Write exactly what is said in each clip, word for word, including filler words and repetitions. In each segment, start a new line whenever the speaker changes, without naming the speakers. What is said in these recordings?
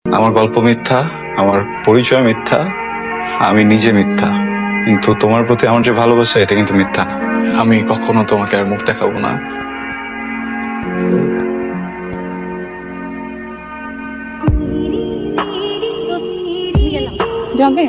আমার গল্প মিথ্যা, আমার পরিচয় মিথ্যা, আমি নিজে মিথ্যা, কিন্তু তোমার প্রতি আমার যে ভালোবাসা এটা কিন্তু মিথ্যা না। আমি কখনো তোমাকে আর মুখ দেখাবো না।
যাবে?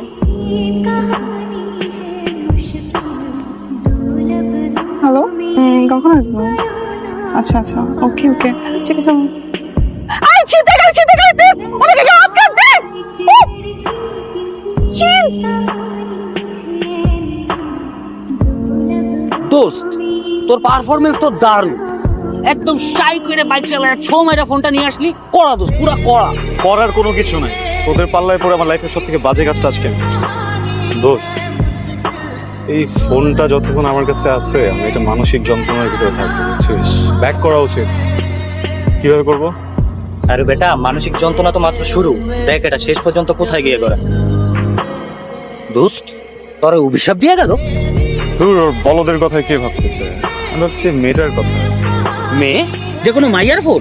হ্যালো, কখন আসবো? আচ্ছা আচ্ছা, ওকে ওকে, ঠিক আছে। আই চিন্তা করে চিন্তা করে দিস ওরে কে অফ কর দিস চিন।
দোস্ত, তোর পারফরমেন্স তো দারুণ, একদম শাই করে বাইক চালায় ছ মাইরা ফোনটা নিয়ে আসলি। কড়া দোস্ত, পুরা কড়া।
করার কোনো কিছু নাই, তোদের পাল্লায় পড়ে আমার লাইফের সব থেকে বাজে কাজটা আজকে আমি করছি। দোস্ত, এই ফোনটা যতক্ষণ আমার কাছে আছে আমি এটা মানসিক যন্ত্রণার ভিতরে থাকবো, বুঝছিস? ব্যাক করা উচিত। কিভাবে করব?
আরে বেটা, মানসিক যন্ত্রণা তো মাত্র শুরু, দেখ এটা শেষ পর্যন্ত কোথায় গিয়ে করে। দোস্ত, তোর অভিশাপ দিয়ে গেল।
ধুর, ওর বলদের কথা কে ভাবতেছে? আমি ভাবছি মেয়েটার কথা।
মেয়ে? যে কোনো মাইয়ার ফোন?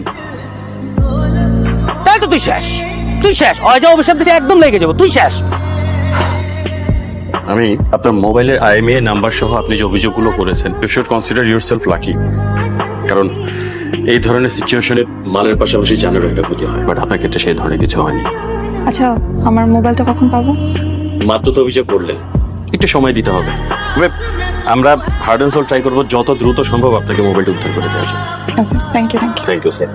তাই তো তুই শেষ, তুই শেষ। অয় যা অভিশাপ দিতে একদম লেগে যাবো, তুই শেষ।
আমি আপনার মোবাইলের আইএমইআই নাম্বার সহ আপনি যে অভিযোগগুলো করেছেন, you should consider yourself lucky. কারণ এই ধরনের সিচুয়েশনে মালের পাশাপাশি জানেরও একটা ক্ষতি হয়, বাট আপনার ক্ষেত্রে সেই ধরনের কিছু হয়নি।
আচ্ছা, আমার মোবাইলটা কখন পাবো?
মাত্র তো অভিযোগ করলেন, একটু সময় দিতে হবে। তবে আমরা হার্ড অ্যান্ড সোল ট্রাই করবো যত দ্রুত সম্ভব আপনাকে মোবাইলটা উদ্ধার করে দেওয়ার জন্য।
Okay, thank you thank you.
Thank you sir.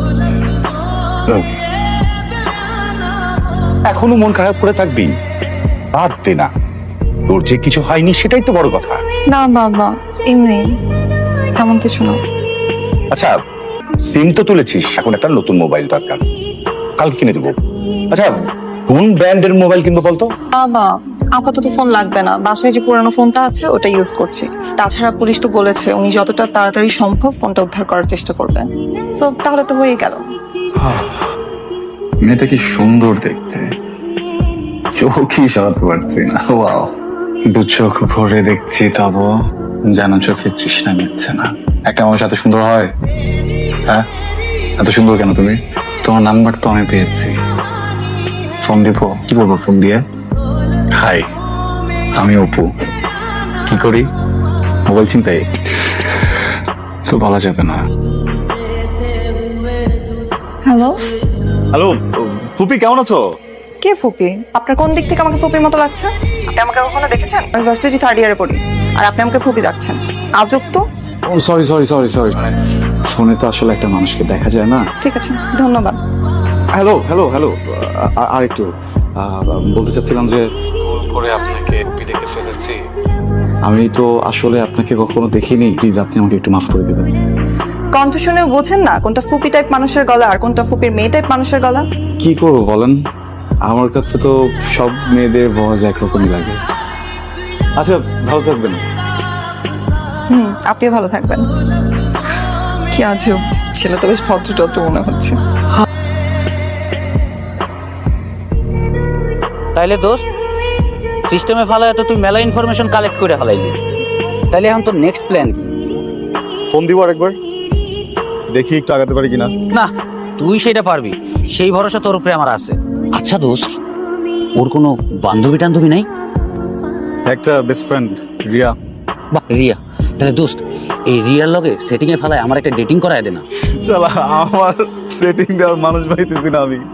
এখনো মন খারাপ করে থাকবি? বাদ দে না, তোর যে কিছু হয়নি সেটাই তো বড় কথা।
না না না, এমনি তেমন কিছু না।
আচ্ছা, সিম তো তুলেছিস, এখন একটা নতুন মোবাইল দরকার, কাল কিনে দেবো। আচ্ছা, কোন ব্র্যান্ডের মোবাইল কিনবো বলতো?
বাবা, আপাতত ফোন লাগবে না, বাসায় যে পুরানো ফোনটা আছে ওটা ইউজ করছি। তাছাড়া পুলিশ তো বলেছে উনি যতটা তাড়াতাড়ি সম্ভব ফোনটা উদ্ধার করার চেষ্টা করবেন। সো তাহলে তো হয়ে গেল।
মেয়েটা কি সুন্দর দেখতে, চোখই সরাতে পারছি না। ওয়াও, দু চোখ ভরে দেখছি তবু যেন চোখে তৃষ্ণা মিটছে না। একটা মানুষ এত সুন্দর হয়? হ্যাঁ, এত সুন্দর কেন তুমি? তোমার নাম্বার তো আমি পেয়েছি, ফোন দিব। কি বলবো ফোন দিয়ে? হাই, আমি অপু। কি করি? মোবাইল চিন্তাই তো বলা যাবে না।
হ্যালো
হ্যালো ফুপি, কেমন আছো?
কে ফুপি? আপনার কোন দিক থেকে আমাকে ফুপির মতো লাগছে? আপনি আমাকে কখনো দেখেছেন? আমি ভার্সিটি থার্ড ইয়ারে পড়ি, আর আপনি আমাকে ফুপি ডাকছেন? আজব তো।
সরি সরি সরি সরি ফোনে তো আসলে একটা মানুষকে দেখা যায় না।
ঠিক আছে, ধন্যবাদ।
হ্যালো হ্যালো হ্যালো আর একটু বলতে চাচ্ছিলাম যে ভুল করে আপনাকে এমপি ডেকে ফেলেছি।
আমি তো আসলে আপনাকে কখনো দেখিনি, প্লিজ আপনি আমাকে একটু মাফ করে দেবেন।
কণ্ঠ শুনে বোঝেন না কোনটা ফুপি টাইপ মানুষের গলা আর কোনটা ফুপির মেয়ে টাইপ মানুষের গলা?
কি করবো বলেন, আমার কাছে তো সব মেয়েদের ভয়েস একরকমই লাগে।
আচ্ছা, ভালো থাকবেন।
হুম, আপনিও ভালো থাকবেন। কি আছে, ছেলে তো বেশ ভদ্র টদ্র মনে হচ্ছে।
তাইলে দোস্ত, সিস্টেমে ফালায় তো তুই মেলা ইনফরমেশন কালেক্ট করে ফেলাইলি। তাইলে এখন তোর নেক্সট প্ল্যান কি?
ফোন দিব আরেকবার, দেখি একটু আগাতে পারি কিনা।
না, তুই সেটা পারবি, সেই ভরসা তোর উপরে আমার আছে। আচ্ছা দোস্ত, ওর কোনো বান্ধবী টান্ধবী নাই?
একটা বেস্ট ফ্রেন্ড, রিয়া।
বাহ, রিয়া। তাহলে দোস্ত, এই রিয়ার লগে সেটিং এ ফেলায় আমার একটা ডেটিং করায় দে না।
শালা, আমার সেটিং দেওয়ার মানুষ পাইতেছি না আমি।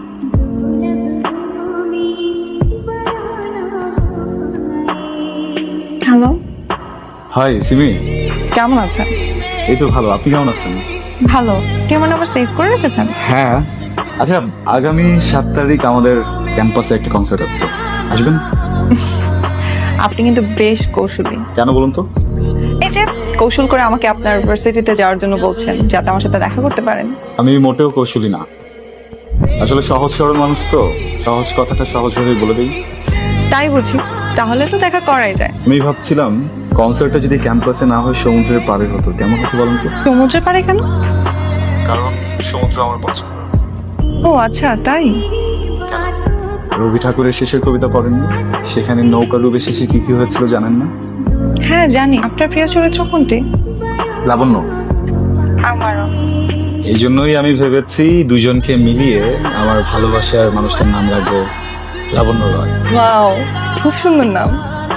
হ্যালো,
হাই সিমি,
কেমন আছেন?
এই তো ভালো, আপনি কেমন আছেন?
ভালো। আপনি আমার নাম্বার সেভ করে রেখেছেন?
হ্যাঁ। আচ্ছা, আগামী সাত তারিখ আমাদের ক্যাম্পাসে একটা কনসার্ট আছে, আসবেন?
আপনি কিন্তু বেশ কৌশলী।
কেন বলুন তো?
এই যে কৌশল করে আমাকে আপনার ইউনিভার্সিটিতে যাওয়ার জন্য বলছেন, যাতে আমার সাথে দেখা করতে পারেন।
আমি মোটেও কৌশলী না, আসলে সহজ সরল মানুষ তো, সহজ কথাটা সহজভাবে বলে দিই।
তাই বুঝি, তাহলে তো দেখা করাই যায়।
আমি ভাবছিলাম কনসার্টটা যদি ক্যাম্পাসে না হয় সমুদ্রের পাড়ে হতো, কেমন হতো বলুন তো?
সমুদ্রের পাড়ে কেন?
কারণ সমুদ্র আমার পছন্দ।
ও আচ্ছা, তাই?
রবি ঠাকুরের শেষের কবিতা পড়েননি? সেখানে নৌকা ডুবে শেষে কি কি হয়েছিল জানেন না?
হ্যাঁ জানি। আপনার প্রিয় চরিত্র কোনটি?
লাবণ্য।
আমারও।
এই জন্যই আমি ভেবেছি দুজনকে মিলিয়ে আমার ভালোবাসার মানুষটার নাম রাখবো লাবণ্য রয়।
ওয়াও, খুব সুন্দর নাম।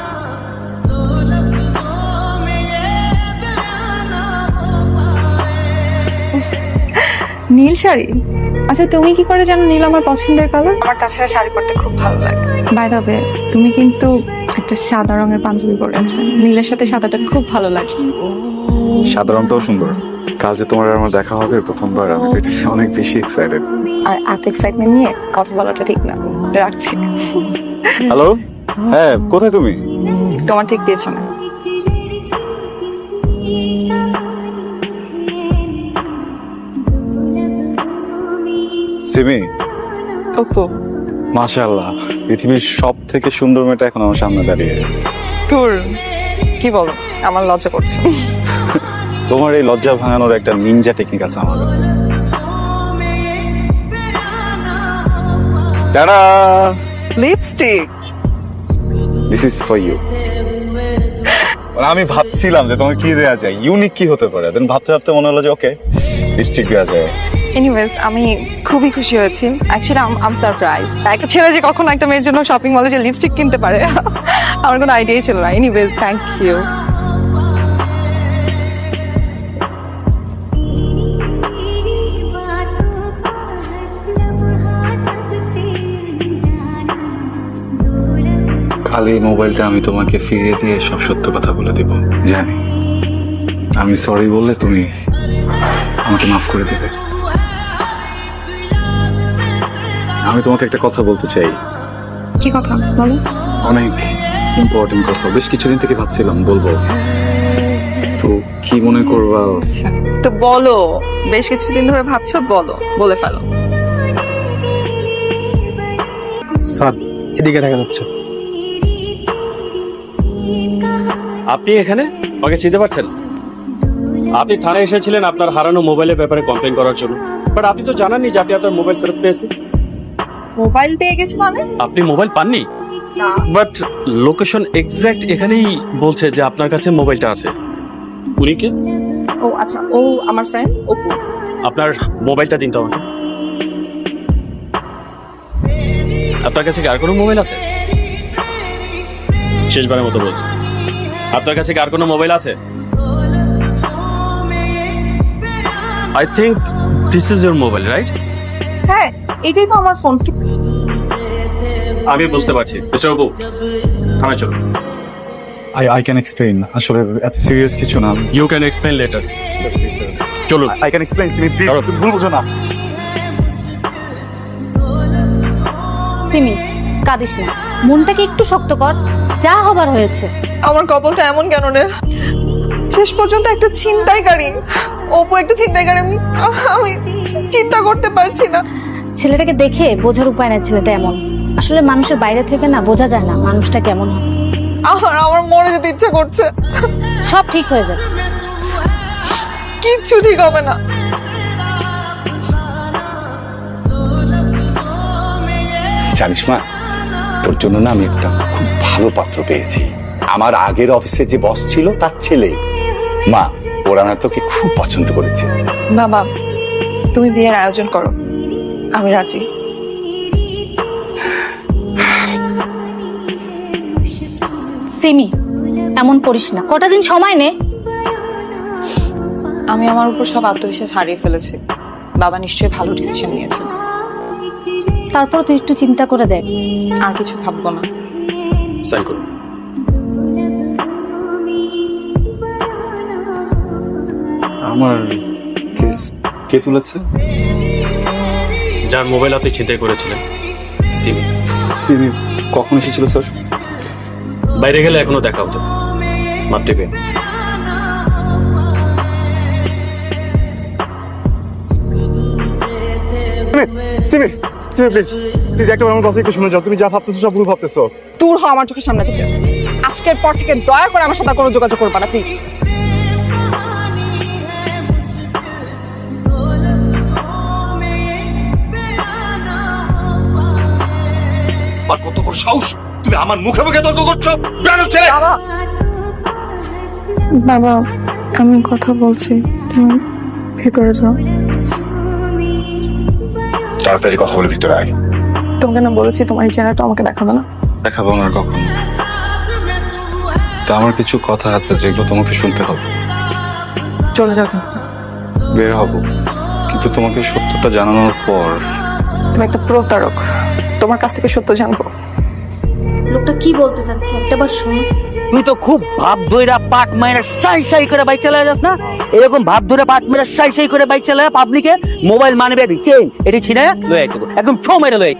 নীল শাড়ি? আচ্ছা, তুমি কি করে জানো নীল আমার পছন্দের কালার? আমার তাছাড়া শাড়ি পরতে খুব ভালো লাগে। বাই দ্য ওয়ে, তুমি কিন্তু একটা সাদা রঙের পাঞ্জাবি পরেছো, নীলের সাথে সাদাটা খুব ভালো লাগে।
সাদা রংটাও সুন্দর। কাল যে তোমার আর আমার দেখা হবে প্রথমবার, আমি তো এটা নিয়ে অনেক বেশি এক্সাইটেড।
আর এত এক্সাইটমেন্ট নিয়ে কথা বলাটা ঠিক না, রাখছি।
হ্যালো, হ্যাঁ কোথায় তুমি?
তোমার ঠিক পেছনে।
সিমি,
ওপো,
মাশাআল্লাহ, পৃথিবীর সব থেকে সুন্দর মেয়েটা এখন আমার সামনে দাঁড়িয়ে।
তোর কি বলো, আমার লজ্জা করছে।
তোমার এই লজ্জা ভাঙানোর একটা নিনজা টেকনিক আছে আমার কাছে। Tata,
lipstick.
This is for you. আমি ভাবছিলাম যে তোমাকে কি দেওয়া যায়, ইউনিক কি হতে পারে, দেন ভাবতে ভাবতে মনে হলো যে ওকে লিপস্টিক দেওয়া যায়।
এনিওয়েজ, আমি খুবই খুশি হয়েছি। Actually I'm surprised. একটা ছেলে যে কখনো একটা মেয়ের জন্য শপিং মলে যে লিপস্টিক কিনতে পারে, আমার কোনো আইডিয়াই ছিল না। Anyways, thank you.
খালি মোবাইলটা আমি তোমাকে ফিরিয়ে দিয়ে সব সত্য কথা বলে দেব। জানি আমি সরি বললে তুমি আমাকে মাফ করে দেবে। আমি তোমাকে একটা কথা বলতে চাই।
কি কথা বলো?
অনেক ইম্পর্টেন্ট কথা, বেশ কিছুদিন থেকে ভাবছিলাম বলবো, তো কি মনে করবা?
তো বলো, বেশ কিছুদিন ধরে ভাবছো, বলো, বলে ফেলো।
স্যার, এদিকে দেখা যাচ্ছে।
আপনি এখানে আমাকে চিনতে পারছেন? আপনি থানায় এসেছিলেন আপনার হারানো মোবাইলের ব্যাপারে কমপ্লেন করার জন্য, বাট আপনি তো জানাননি যে আপনি আপনার মোবাইল ফেরত পেয়েছেন।
মোবাইল পেয়ে গেছি মানে?
আপনি মোবাইল পাননি,
না।
বাট লোকেশন এক্সাক্ট এখানেই বলছে যে আপনার কাছে মোবাইলটা আছে। উনি কে?
ও আচ্ছা, ও আমার ফ্রেন্ড অপু।
আপনার মোবাইলটা দিন তো আমাকে। আপনার কাছে কি আর কোনো মোবাইল আছে? শেষবারের মতো বলছি, আপনার কাছে কি আর কোনো মোবাইল আছে? I think this is your mobile, right?
হ্যাঁ, এটাই তো আমার ফোন।
আমি বুঝতে পারছি। মিস্টার অপু, থানায় চলুন।
আই আই ক্যান এক্সপ্লেইন, আসলে এত সিরিয়াস কিছু না।
You can explain later. চলুন।
I can explain, Simi please,
দাঁড়াও।
তুমি ভুল বুঝো না।
সিমি, কাঁদিস না, মনটাকে একটু শক্ত কর, যা হবার হয়েছে।
আমার কপালটা এমন কেন রে? শেষ পর্যন্ত একটা ছিনতাইকারী, অপু একটা ছিনতাইকারী। আমি আমি চিন্তা করতে পারছি না।
ছেলেটাকে দেখে বোঝার উপায় নাই ছেলেটা এমন। আসলে মানুষের বাইরে থেকে না বোঝা যায় না মানুষটা কেমন হয়।
আমার আমার মরে যেতে ইচ্ছা করছে।
সব ঠিক হয়ে যাবে।
কিচ্ছু ঠিক হবে না।
জানিস মা, তোর জন্য না আমি একটা খুব ভালো পাত্র পেয়েছি। আমার আগের অফিসে যে বস ছিল তার ছেলে। মা, ওরা না তোকে খুব পছন্দ করেছে।
বাবা, তুমি বিয়ের আয়োজন করো, আমি রাজি।
সিমি, এমন করিস না, কটা দিন সময় নে।
আমি আমার উপর সব আত্মবিশ্বাস হারিয়ে ফেলেছি। বাবা নিশ্চয়ই ভালো ডিসিশন নিয়েছেন।
তারপর তুই একটু চিন্তা করে দেখ।
আর কিছু ভাববো না।
সাইন করুন।
আমার কেস কে তুলেছে?
যার মোবাইল আপনি চিন্তাই করেছিলেন, সিমি।
সিমি কখন এসেছিল স্যার?
বাইরে গেলে এখনো দেখা হতো, মাত্র পেয়ে।
সিমি, সিমি প্লিজ, প্লিজ একটা আমার কথা একটু শুনে যাও। তুমি যা ভাবতেছো সব ভুল ভাবতেছো।
দূর হ আমার চোখের সামনে থেকে। আজকের পর থেকে দয়া করে আমার সাথে আর কোনো যোগাযোগ করবা না, প্লিজ।
আর কত বড় সাহস, তুমি আমার মুখে মুখে তর্ক করছো? বেয়াদব ছেলে!
বাবা, বাবা, আমি কথা বলছি, তুমি ভেতরে যাও।
তাড়াতাড়ি কথা বলে ভিতরে আয়।
তোমাকে না বলেছি তোমার এই চেহারাটা আমাকে দেখাবে না।
দেখাবো না আর কখনো। তা আমার কিছু কথা আছে যেগুলো তোমাকে শুনতে হবে।
চলে যাও কিন্তু।
বের হব, কিন্তু তোমাকে সত্যটা জানানোর পর
তুমি একটা প্রতারক, তোমার কাছ থেকে সত্য জানবো।
লোকটা কি বলতে চাচ্ছে একটাবার শোনো।
তুই তো খুব ভাব ধইরা পাট মাইরা সাই সাই করে বাইক চালায় যাস না? এরকম ভাব ধরে পাট মাইরা সাই সাই করে বাইক চালায় পাবলিকে মোবাইল মানিব্যাগ চেইন এটি ছিনে লয়ে আইতে একদম ছো মেরে লয়ে।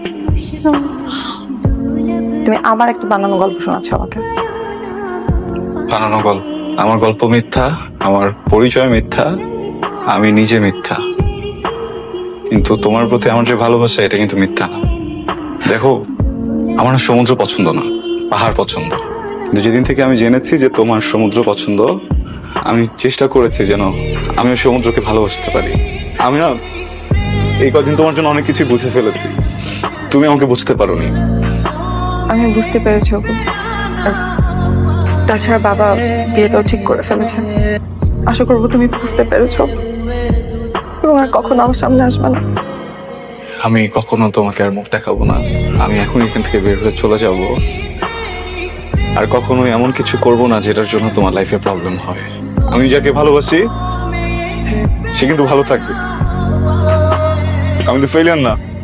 তুমি আবার একটা বানানো গল্প শোনাচ্ছ আমাকে।
বানানো গল্প? আমার গল্প মিথ্যা, আমার পরিচয় মিথ্যা, আমি নিজে মিথ্যা, কিন্তু তোমার প্রতি আমার যে ভালোবাসা এটা কিন্তু মিথ্যা না। দেখো, আমার না সমুদ্র পছন্দ না, পাহাড় পছন্দ। কিন্তু যেদিন থেকে আমি জেনেছি যে তোমার সমুদ্র পছন্দ, আমি চেষ্টা করেছি যেন আমি ওই সমুদ্রকে ভালোবাসতে পারি। আমি না এই কদিন তোমার জন্য অনেক কিছু বুঝে ফেলেছি, তুমি আমাকে বুঝতে পারোনি।
আমি বুঝতে পেরেছি ওকে। আর তাছাড়া বাবা বিয়েটাও ঠিক করে ফেলেছে। আশা করবো তুমি বুঝতে পেরেছো এবং আর কখনো আমার সামনে আসবে না।
আমি কখনো তোমাকে আর মুখ দেখাবো না। আমি এখন এখান থেকে বের হয়ে চলে যাব, আর কখনোই এমন কিছু করব না যেটার জন্য তোমার লাইফে প্রবলেম হয়। আমি যাকে ভালোবাসি সে কিন্তু ভালো থাকবে। আমি তো ফেলিয়ার না।